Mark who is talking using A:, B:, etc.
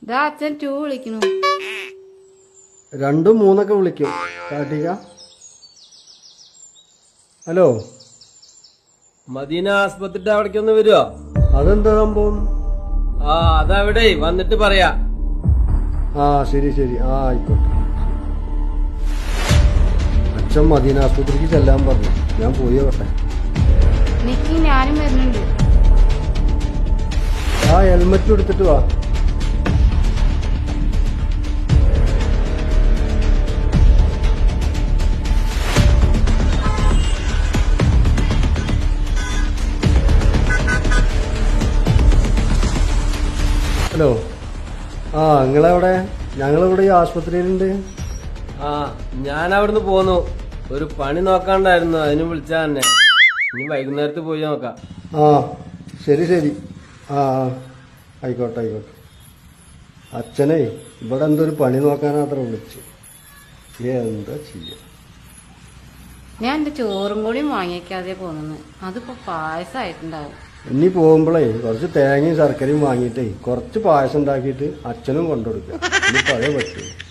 A: അച്ഛൻ 2 വിളിക്കുന്നു.
B: 2 3 വിളിക്കും. കാട്ടിക. ഹലോ,
C: മദീന ആസ്പത്രിയുടെ അവിടേക്ക് ഒന്ന് വരുവോ?
B: അതെന്താ സംഭവം?
C: അതവിടെ വന്നിട്ട് പറയാ.
B: ശരി ശരി, ആയിക്കോട്ടെ. അച്ഛൻ മദീന ആസ്പത്രിക്ക് ചെല്ലാൻ പറഞ്ഞു. ഞാൻ പോയി നോട്ടെ.
A: ഞാനും വരുന്നുണ്ട്.
B: ഹെൽമെറ്റ് എടുത്തിട്ട് വാ. ഹലോ, നിങ്ങളെവിടെ? ഞങ്ങളിവിടെ ഈ ആസ്പത്രിയിലുണ്ട്.
C: ഞാൻ അവിടുന്ന് പോന്നു. ഒരു പണി നോക്കാണ്ടായിരുന്നു, അതിന് വിളിച്ചാ തന്നെ. ഇനി വൈകുന്നേരത്ത് പോയി നോക്കാം.
B: ശരി ശരി. ആയിക്കോട്ടെ ആയിക്കോട്ടെ. അച്ഛനെ ഇവിടെ എന്തൊരു പണി നോക്കാനാത്ര വിളിച്ചു. എന്താ ചെയ്യാ?
A: ഞാൻ എന്റെ ചോറും കൂടി വാങ്ങിക്കാതെ പോന്നു. അതിപ്പോ പായസമായിട്ടുണ്ടാവും.
B: ഇനി പോകുമ്പോഴേ കുറച്ച് തേങ്ങയും ശർക്കരയും വാങ്ങിയിട്ടേ കുറച്ച് പായസം ഉണ്ടാക്കിയിട്ട് അച്ഛനും കൊണ്ടുകൊടുക്കുക. ഇനി പഴയ പറ്റൂ.